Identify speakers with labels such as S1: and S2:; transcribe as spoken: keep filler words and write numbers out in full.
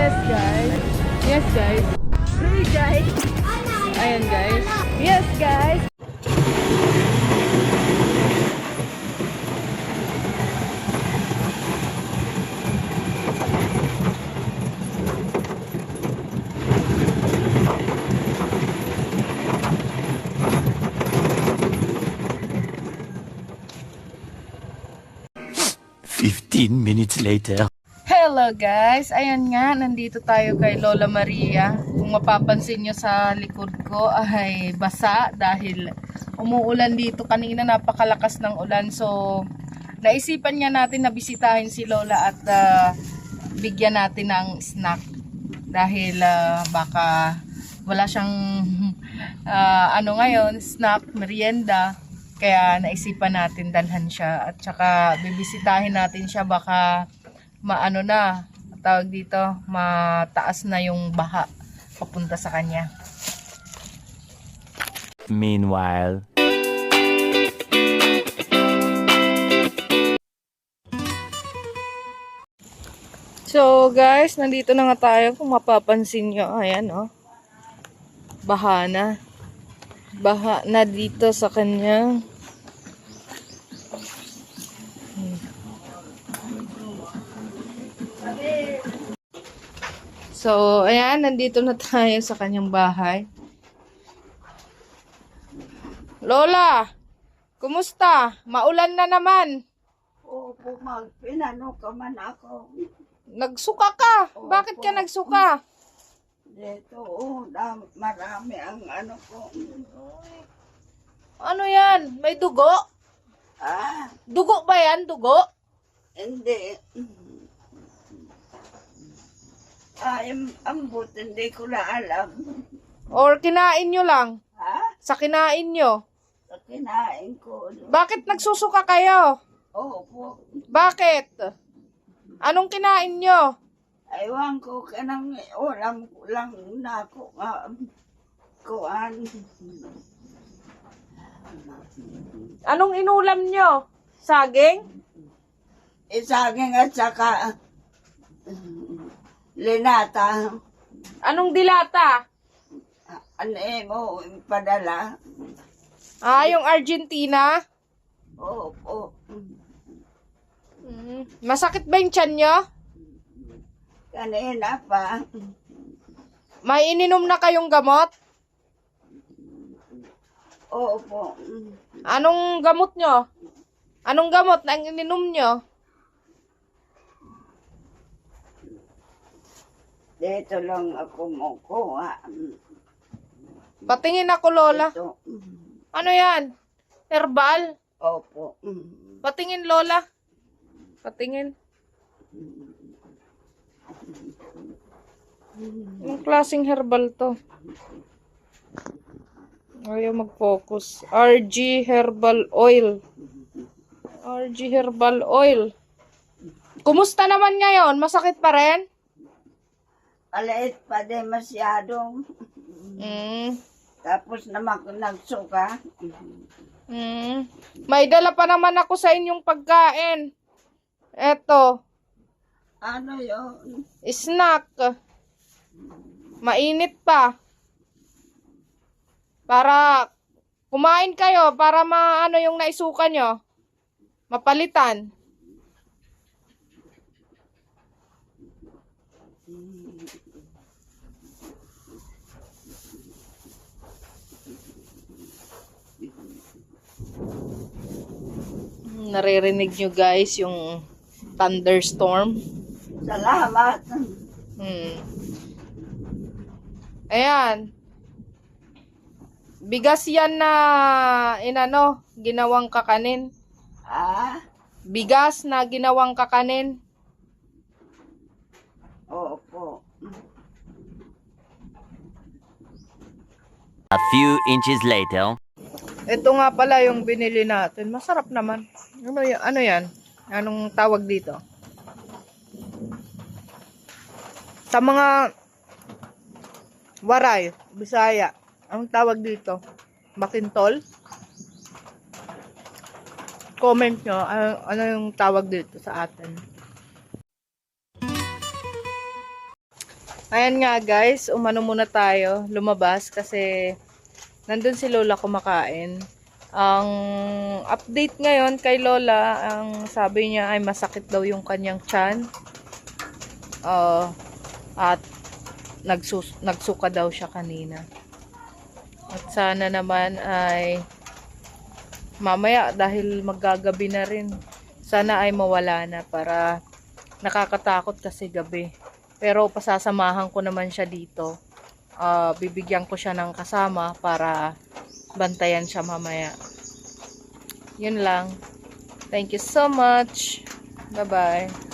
S1: Yes, guys. Yes, guys. Hey, guys. Ayan, guys. Yes, guys.
S2: Fifteen minutes later.
S1: Hello guys, ayan nga, nandito tayo kay Lola Maria. Kung mapapansin nyo sa likod ko ay basa dahil umuulan dito kanina, napakalakas ng ulan. So naisipan niya natin na bisitahin si Lola at uh, bigyan natin ng snack dahil uh, baka wala siyang uh, ano ngayon, snack, merienda. Kaya naisipan natin dalhan siya at saka bibisitahin natin siya, baka maano na, tawag dito, mataas na yung baha papunta sa kanya.
S2: Meanwhile.
S1: So guys, nandito na nga tayo. Kung mapapansin nyo, ayan oh, baha na. Baha na dito sa kanya. So, ayan, nandito na tayo sa kanyang bahay. Lola, kumusta? Maulan na naman.
S3: Opo, mag, pinano ka man ako.
S1: Nagsuka ka. Bakit ka nagsuka?
S3: Dito, oh, dam, marami ang ano ko.
S1: Ano yan? May dugo?
S3: Ah,
S1: Dugo ba yan? Dugo?
S3: hindi. Ay, ambot, hindi ko na alam.
S1: Or kinain nyo lang?
S3: Ha?
S1: Sa kinain nyo?
S3: Sa kinain ko.
S1: Bakit nagsusuka kayo?
S3: Opo.
S1: Bakit? Anong kinain nyo?
S3: Aywan ko ka nang ulam ko lang na ako nga. Kuan.
S1: Anong inulam nyo? Saging?
S3: Isaging at saka linata.
S1: Anong dilata?
S3: Ano eh mo, padala.
S1: Ah, yung Argentina?
S3: Opo.
S1: Mm. Masakit ba yung tiyan nyo?
S3: Kanina pa.
S1: May ininom na kayong gamot?
S3: Opo.
S1: Anong gamot nyo? Anong gamot na ininom nyo?
S3: Dito lang ako mukuha.
S1: Patingin ako, Lola.
S3: Ito.
S1: Ano yan? Herbal?
S3: Opo.
S1: Patingin, Lola. Patingin. Anong klaseng herbal to? Ayaw mag-focus. R G Herbal Oil. R G Herbal Oil. Kumusta naman ngayon? Masakit pa rin?
S3: Alait pa din masyadong.
S1: Mm.
S3: Tapos naman ako nagsuka.
S1: Mm. May dala pa naman ako sa inyong pagkain. Eto.
S3: Ano yun?
S1: Snack. Mainit pa. Para kumain kayo, para maano yung naisuka nyo. Mapalitan. Naririnig nyo guys yung thunderstorm.
S3: Salamat.
S1: Hmm. Ayan. Bigas yan na inano, ginawang kakanin.
S3: Ah?
S1: Bigas na ginawang kakanin.
S3: Opo.
S2: A few inches later.
S1: Ito nga pala yung binili natin. Masarap naman. Ano, y- ano yan? Anong tawag dito? Sa mga waray, Bisaya, anong tawag dito? Bakintol? Comment nyo, ano, ano yung tawag dito sa atin. Ayan nga guys, umano muna tayo, lumabas kasi nandun si Lola kumakain. Ang update ngayon kay Lola, ang sabi niya ay masakit daw yung kanyang tiyan. Uh, at nagsus nagsuka daw siya kanina. At sana naman ay mamaya dahil maggagabi na rin, sana ay mawala na para nakakatakot kasi gabi. Pero pasasamahan ko naman siya dito. Uh, bibigyan ko siya ng kasama para bantayan siya mamaya. Yun lang. Thank you so much. Bye-bye.